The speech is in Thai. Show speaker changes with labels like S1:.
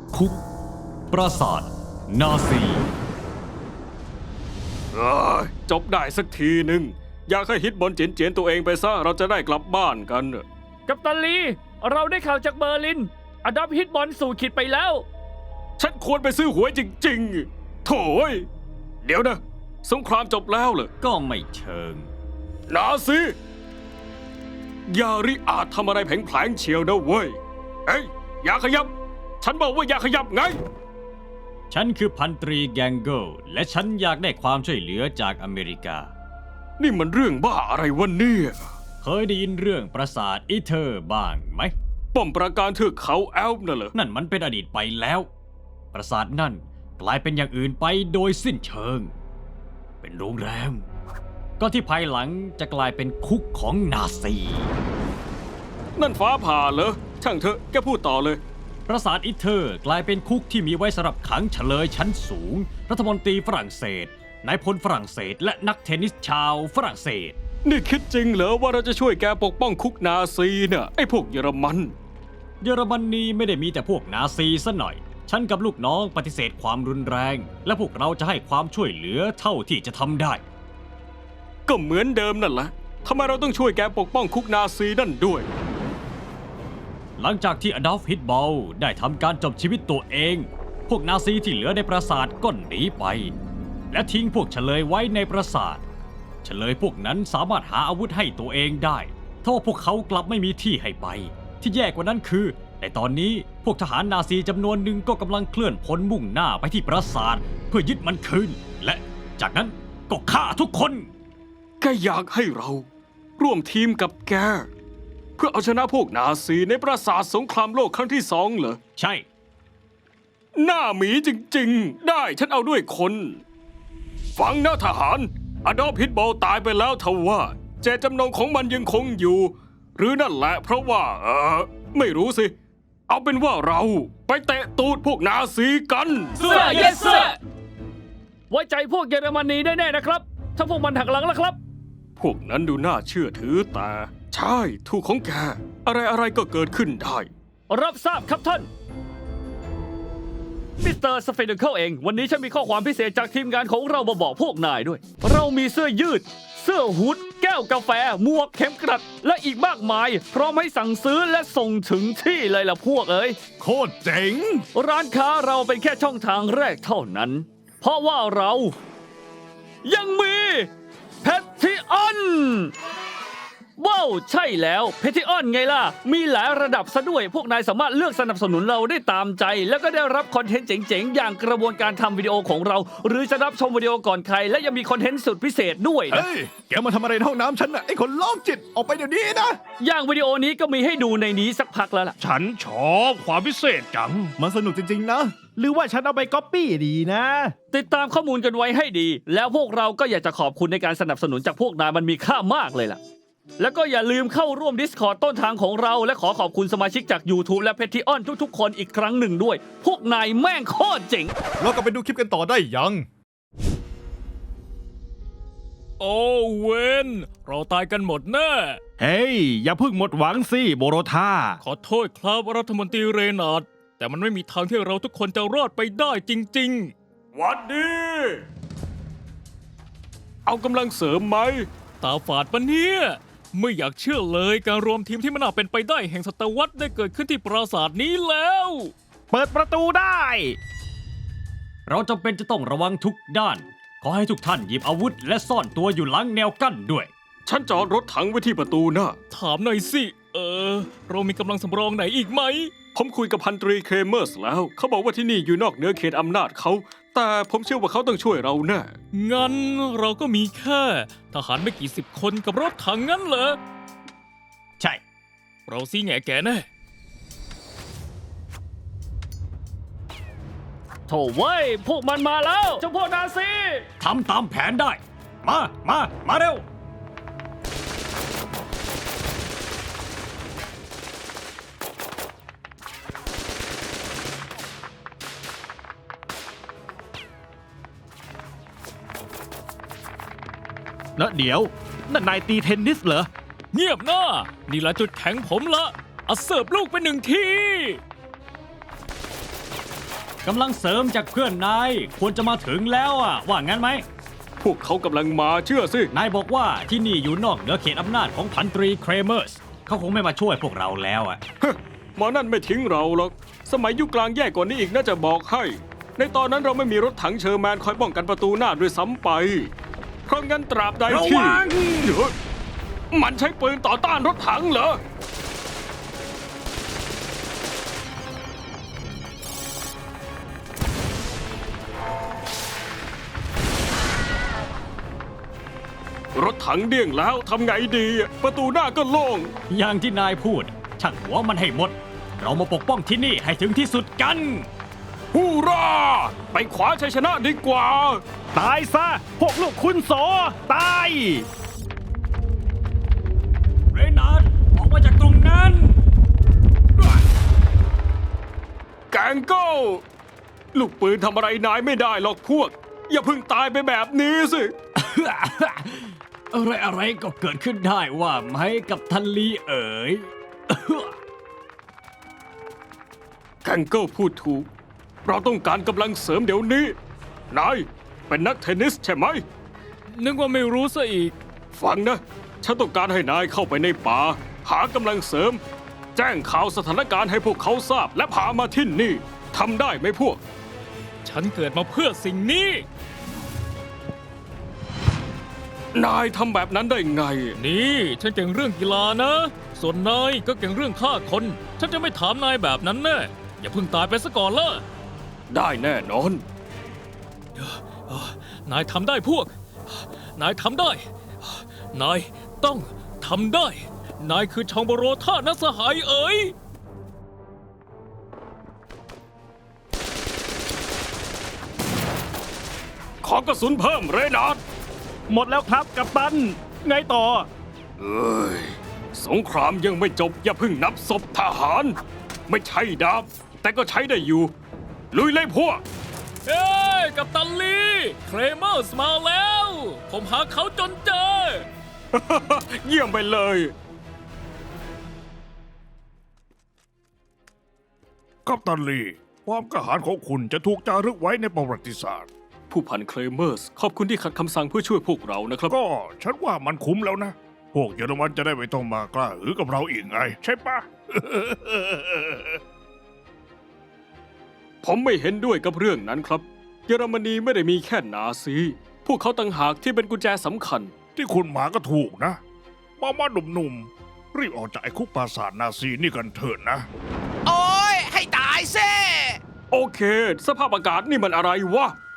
S1: คุกปราสาทนาซี
S2: จบได้สักทีหนึ่งอยากให้ฮิตบอลเจียนตัวเองไปซะเราจะได้กลับบ้านกัน
S3: กัปตันลีเราได้ข่าวจากเบอร์ลินอดัมฮิตบอลสู่ขีดไปแล้ว
S2: ฉันควรไปซื้อหวยจริงๆโถ่เดี๋ยวนะสงครามจบแล้วเหรอ
S1: ก็ไม่เชิง
S2: นาซียาริอาจทำอะไรแผลงเฉียวนะเว้ยเฮ้ยอย่าขยับฉันบอกว่าอย่าขยับไง
S1: ฉันคือพันตรีแกงเกิลและฉันอยากได้ความช่วยเหลือจากอเมริกา
S2: นี่มันเรื่องบ้าอะไรวะเนี่ย
S1: เคยได้ยินเรื่องปราสาทอีเธอร์บ้างไหม
S2: ป้อมปราการเทือกเขาแอลป์น่ะเหรอ
S1: นั่นมันเป็นอดีตไปแล้วปราสาทนั่นกลายเป็นอย่างอื่นไปโดยสิ้นเชิงเป็นโรงแรมก็ที่ภายหลังจะกลายเป็นคุกของนาซี
S2: นั่นฟ้าผ่าเหรอช่างเถอะแกพูดต่อเลย
S1: ปราสาทอีเธอร์กลายเป็นคุกที่มีไว้สำหรับขังเฉลยชั้นสูงรัฐมนตรีฝรั่งเศสนายพลฝรั่งเศสและนักเทนนิสชาวฝรั่งเศส
S2: นี่คิดจริงเหรอว่าเราจะช่วยแกปกป้องคุกนาซีเนี่ยไอ้พวกเยอรมัน
S1: ไม่ได้มีแต่พวกนาซีซะหน่อยฉันกับลูกน้องปฏิเสธความรุนแรงและพวกเราจะให้ความช่วยเหลือเท่าที่จะทำได้
S2: ก็เหมือนเดิมนั่นแหละทำไมเราต้องช่วยแกปกป้องคุกนาซีนั่นด้วย
S1: หลังจากที่อดอล์ฟฮิตบอลได้ทำการจบชีวิตตัวเองพวกนาซีที่เหลือในปราสาทก็หนีไปและทิ้งพวกเฉลยไว้ในปราสาทเฉลยพวกนั้นสามารถหาอาวุธให้ตัวเองได้ทว่าพวกเขากลับไม่มีที่ให้ไปที่แย่กว่านั้นคือในตอนนี้พวกทหารนาซีจำนวนหนึ่งก็กำลังเคลื่อนพลมุ่งหน้าไปที่ปราสาทเพื่อยึดมันคืนและจากนั้นก็ฆ่าทุกคน
S2: แกอยากให้เราร่วมทีมกับแกเพื่อเอาชนะพวกนาซีในปราสาทสงครามโลกครั้งที่2เหรอ
S1: ใช่
S2: หน้าหมีจริงๆได้ฉันเอาด้วยคนฟังนะทหารอดอล์ฟฮิตบอลตายไปแล้วทว่าเจตจำนงของมันยังคงอยู่หรือนั่นแหละเพราะว่าไม่รู้สิเอาเป็นว่าเราไปเตะตูดพวกนาซีกัน
S3: เสื้อ yes sir ไว้ใจพวกเยอรมนีได้แน่นะครับถ้าพวกมันหักหลังแล้วครับ
S2: พวกนั้นดูน่าเชื่อถือแต่ใช่ถูกของแกอะไรก็เกิดขึ้นได้
S3: รับทราบครับท่านมิสเตอร์สเฟนเคิลเองวันนี้ฉันมีข้อความพิเศษจากทีมงานของเรามาบอกพวกนายด้วยเรามีเสื้อยืดเสื้อฮู้ดแก้วกาแฟหมวกเข็มกลัดและอีกมากมายพร้อมให้สั่งซื้อและส่งถึงที่เลยล่ะพวกเอ้ย
S1: โคตรเจ๋ง
S3: ร้านค้าเราเป็นแค่ช่องทางแรกเท่านั้นเพราะว่าเรายังมีแพทริออนว้าวใช่แล้วแพทริออนไงล่ะมีหลายระดับซะด้วยพวกนายสามารถเลือกสนับสนุนเราได้ตามใจแล้วก็ได้รับคอนเทนต์เจ๋งๆอย่างกระบวนการทำวิดีโอของเราหรือจะรับชมวิดีโอก่อนใครและยังมีคอนเทนต์สุดพิเศษด้วยนะ
S4: เฮ้ยแกมาทำอะไรในห้องน้ำฉันน่ะไอ้คนโรคจิตออกไปเดี๋ยวนี้นะ
S3: อย่างวิดีโอนี้ก็มีให้ดูในนี้สักพักแล้วล่ะ
S4: ฉันชอบความพิเศษจังมันสนุกจริงๆนะหรือว่าฉันเอาไปก๊อปปี้ดีนะ
S3: ติดตามข้อมูลกันไว้ให้ดีแล้วพวกเราก็อยากจะขอบคุณในการสนับสนุนจากพวกนายมันมีค่ามากเลยล่ะแล้วก็อย่าลืมเข้าร่วม Discord ต้นทางของเราและขอขอบคุณสมาชิกจาก YouTube และ Patreon ทุกๆคนอีกครั้งหนึ่งด้วยพวกนายแม่งโคตรเจ๋ง
S4: เราก็ไปดูคลิปกันต่อได้ยัง
S5: โอ้เวนเราตายกันหมดแน่
S4: เฮ้ยอย่าเพิ่งหมดหวังสิโบโรธา
S5: ขอโทษครับรัฐมนตรีเรนาร์ดแต่มันไม่มีทางที่เราทุกคนจะรอดไปได้จริง
S2: ๆหวัดดีเอากำลังเสริมไหม
S5: ตาฝาดปะเนี่ยไม่อยากเชื่อเลยการรวมทีมที่ไม่น่าเป็นไปได้แห่งศตวรรษได้เกิดขึ้นที่ปราสาทนี้แล้ว
S4: เปิดประตูได้
S1: เราจำเป็นจะต้องระวังทุกด้านขอให้ทุกท่านหยิบอาวุธและซ่อนตัวอยู่หลังแนวกั้นด้วย
S2: ฉันจอดรถถังไว้ที่ประตูนะ
S5: ถามหน่อยสิเรามีกำลังสำรองไหนอีกไหม
S2: ผมคุยกับพันตรีเคเมอร์สแล้วเขาบอกว่าที่นี่อยู่นอกเหนือเขตอำนาจเขาแต่ผมเชื่อว่าเขาต้องช่วยเราแน่
S5: งั้นเราก็มีแค่ทหารไม่กี่สิบคนกับรถถังงั้นเหรอ
S1: ใช่
S5: เราซี่แง่แก่แน่
S3: โถ่เว้ยพวกมันมาแล้วเจ้าพวกนาซี
S1: ทำตามแผนได้มาเร็ว
S4: แล้วเดี๋ยวนั่นนายตีเทนนิสเหรอ
S5: เงียบหน้านี่ละจุดแข็งผมละเอาเสิร์ฟลูกไป1 ที
S1: กำลังเสริมจากเพื่อนนายควรจะมาถึงแล้วอ่ะ ว่างั้นไหม
S2: พวกเขากำลังมาเชื่อสิ
S1: นายบอกว่าที่นี่อยู่นอกเหนือเขตอำนาจของพันตรีเครเมอร์สเขาคงไม่มาช่วยพวกเราแล้วอ่ะ
S2: หมอนั่นไม่ทิ้งเราหรอก สมัยยุคกลางแย่กว่านี้อีกน่าจะบอกให้ ในตอนนั้นเราไม่มีรถถังเชอร์แมนคอยป้องกันประตูหน้าด้วยซ้ำไป เพราะงั้นตราบใดที่
S1: ระวัง
S2: เดี๋ยวมันใช้ปืนต่อต้านรถถังเหรอ รถถังเดี่ยงแล้วทำไงดี ประตูหน้าก็โล่ง
S1: อย่างที่นายพูดช่างหัวมันให้หมด เรามาปกป้องที่นี่ให้ถึงที่สุดกัน
S2: ฮูราไปขวาชัยชนะดีกว่า
S4: ตายซะ พวกลูกคุณโสตาย
S1: เรนาร์ดออกมาจากตรงนั้น
S2: แกงโก้ลูกปืนทำอะไรนายไม่ได้หรอกพวก อย่าเพิ่งตายไปแบบนี้สิ
S1: อะไรก็เกิดขึ้นได้ว่าไหมกับทันลีเอ๋ย
S2: แกงโก้พูดถูก เราต้องการกำลังเสริมเดี๋ยวนี้ นายเป็นนักเทนนิสใช่ไหม
S5: นึกว่าไม่รู้ซะอีก
S2: ฟังนะ ฉันต้องการให้นายเข้าไปในป่า หากำลังเสริม แจ้งข่าวสถานการณ์ให้พวกเขาทราบและพามาที่นี่ทำได้ไหมพวก
S5: ฉันเกิดมาเพื่อสิ่งนี้
S2: นายทำแบบนั้นได้ไง
S5: นี่ฉันเก่งเรื่องกีฬานะ ส่วนนายก็เก่งเรื่องฆ่าคน ฉันจะไม่ถามนายแบบนั้นแน่ อย่าเพิ่งตายไปซะก่อนละ
S2: ได้แน่นอน
S5: นายทำได้พวก นายทำได้ นายต้องทำได้ นายคือชองโบโรท่านักสหายเอ๋ย
S2: ขอกระสุนเพิ่มเรนาร์ด
S4: หมดแล้วครับกัปตัน ไงต่อ
S2: เอ้ย สงครามยังไม่จบอย่าเพิ่งนับศพทหาร ไม่ใช่ดาบ แต่ก็ใช้ได้อยู่ ลุยเลยพวก
S5: เอ้ยกัปตันลีเครเมอร์สมาแล้ว ผมหาเขาจนเจอ
S2: เยี่ยมไปเลย
S6: กัปตันลีความกล้าหาญของคุณจะถูกจารึกไว้ในประวัติศาสตร์
S2: ผู้พันเคลเมอร์ส ขอบคุณที่ขัดคำสั่งเพื่อช่วยพวกเรานะครับ
S6: ก็ฉันว่ามันคุ้มแล้วนะ พวกเยอรมันจะได้ไม่ต้องมากล้าหือกับเราอีกไง ใช่ปะ
S2: ผมไม่เห็นด้วยกับเรื่องนั้นครับ เยอรมนีไม่ได้มีแค่นาซี พวกเขาต่างหากที่เป็นกุญแจสำคัญ
S6: ที่คุณหมาก็ถูกนะมาหนุ่มๆรีบออกจากไอ้คุกปราสาทนาซีนี่กันเถิดนะ
S7: โอ้ยให้ตายซิ
S2: โอเค สภาพอากาศนี่มันอะไรวะ